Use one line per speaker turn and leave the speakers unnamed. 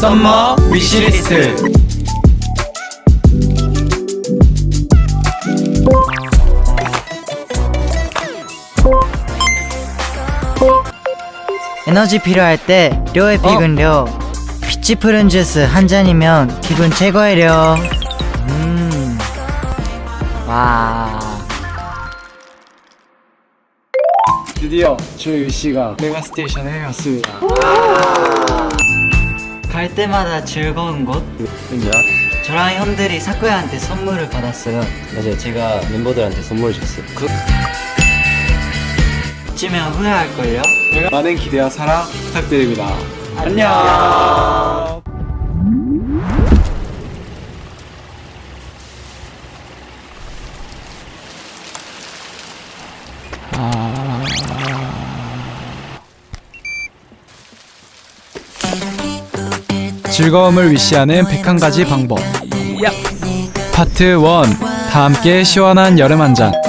썸머 위시리스트.
에너지 필요할 때 료의 피근료 피치 푸른 주스 한 잔이면 기분 최고예요. 와.
드디어 저희 위시가 메가스테이션에 왔습니다.
갈 때마다 즐거운 곳.
진짜?
저랑 형들이 사쿠야한테 선물을 받았어요.
맞아요. 제가 멤버들한테 선물을 줬어요.
이쯤면 후회할걸요?
많은 기대와 사랑 부탁드립니다. 안녕. 즐거움을 위시하는 101가지 방법. 파트 1. 다 함께 시원한 여름 한잔.